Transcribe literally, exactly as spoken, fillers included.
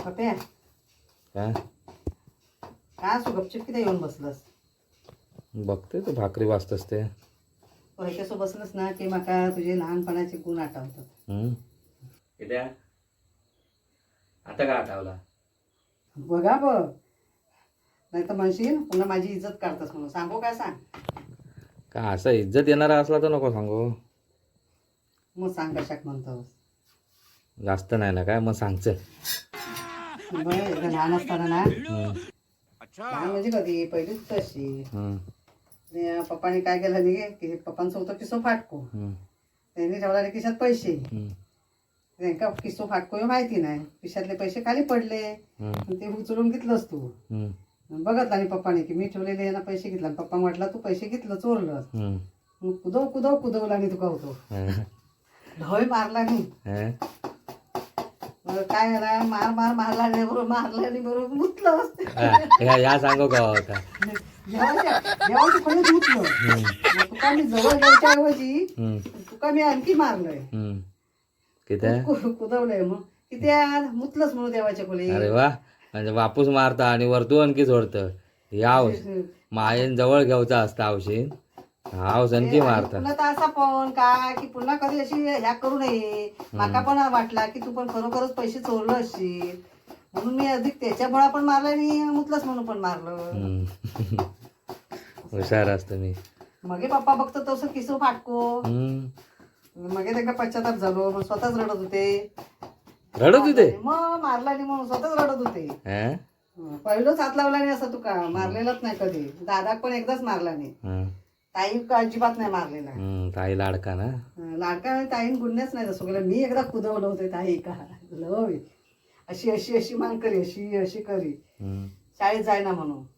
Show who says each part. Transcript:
Speaker 1: पप्या
Speaker 2: काय
Speaker 1: काय असो गपचिप किती येऊन बसलस
Speaker 2: बघते तू भाकरी वाचतस ते
Speaker 1: कसो बसलस ना की माका तुझे लहानपणाचे गुण आठवतात.
Speaker 2: हम्म कित्या आता काय आठवला
Speaker 1: बघा बघ नाही तर म्हणशील पुन्हा माझी इज्जत काढतस म्हणून सांगू काय सांग.
Speaker 2: का असं इज्जत येणारा असला तर नको सांगू.
Speaker 1: मग सांग कशाक म्हणतोस.
Speaker 2: जास्त नाही ना काय मग सांगचं.
Speaker 1: बरं एकदा लहान असताना ना
Speaker 2: हम्म,
Speaker 1: लहान म्हणजे कधी पहिलीच तशी
Speaker 2: हम्म,
Speaker 1: पप्पाने काय केलं नाही की पप्पांचं होतं किस्सो फाटको
Speaker 2: हम्म,
Speaker 1: त्यांनी ठेवला खिशात पैसे
Speaker 2: हम्म,
Speaker 1: त्यांना किस्सो फाटको हे माहिती नाही खिशातले पैसे खाली पडले
Speaker 2: हम्म,
Speaker 1: ते उचलून घेतलंस तू
Speaker 2: हम्म,
Speaker 1: बघत आणि पप्पाने की मी ठेवलेले यांना पैसे घेतला पप्पा म्हटला तू पैसे घेतलं चोरलं
Speaker 2: हम्म,
Speaker 1: मग कुदव कुदव कुदवला आणि तुका होतो
Speaker 2: हं,
Speaker 1: ढोय मारला नाही
Speaker 2: हं,
Speaker 1: मग काय झाला मार मार मारला नाही बरोबर मारला आणि बरोबर मुतलं असते
Speaker 2: हा, ह्या ह्या सांगू का होता
Speaker 1: देवाच्या देवाच्या खोलीत मुतलं मग तुका मी जवळ घ्यायच्या ऐवजी
Speaker 2: हम्म,
Speaker 1: तुका मी आणखी मारलंय
Speaker 2: हम्म. किती
Speaker 1: कु- कुदवलंय मग किती आज मुतलंच म्हणून देवाच्या खोलीत
Speaker 2: अरे वा म्हणजे वापूस मारता आणि वरतू आणखी सोडतं याव मायेन जवळ घ्यावचा असता आवशीन हाव आणखी मारता
Speaker 1: पुन्हा तर असा पण काय की पुन्हा कधी अशी ह्या करू नये माका पण वाटला की तू पण खरोखरच पैसे चोरलं असशील म्हणून मी अधिक त्याच्यामुळे पण मारलं आणि मुतलंच म्हणून पण मारलं.
Speaker 2: हम्म. हुशार असतो मी
Speaker 1: मगे पप्पा बघतो तसं किसो फाटको
Speaker 2: हम्म.
Speaker 1: मगे त्यांना पश्चाताप झालो मग स्वतःच रडत होते
Speaker 2: रडत होते
Speaker 1: मग मारला नाही म्हणून स्वतःच रडत होते.
Speaker 2: हं?
Speaker 1: पहिलंच हात लावला नाही असं तुका मारलेलाच नाही कधी दादाक पण एकदाच मारला नाही
Speaker 2: हं.
Speaker 1: ताई अजिबात नाही मारलेला
Speaker 2: हम्म, ताई लाडका ना
Speaker 1: लाडका ताईन गुन्हेच नाही तसं केलं मी एकदा कुदवलं होतं ताई का लव अशी अशी अशी मान करी अशी अशी करी
Speaker 2: हम्म,
Speaker 1: शाळेत जाय ना म्हणून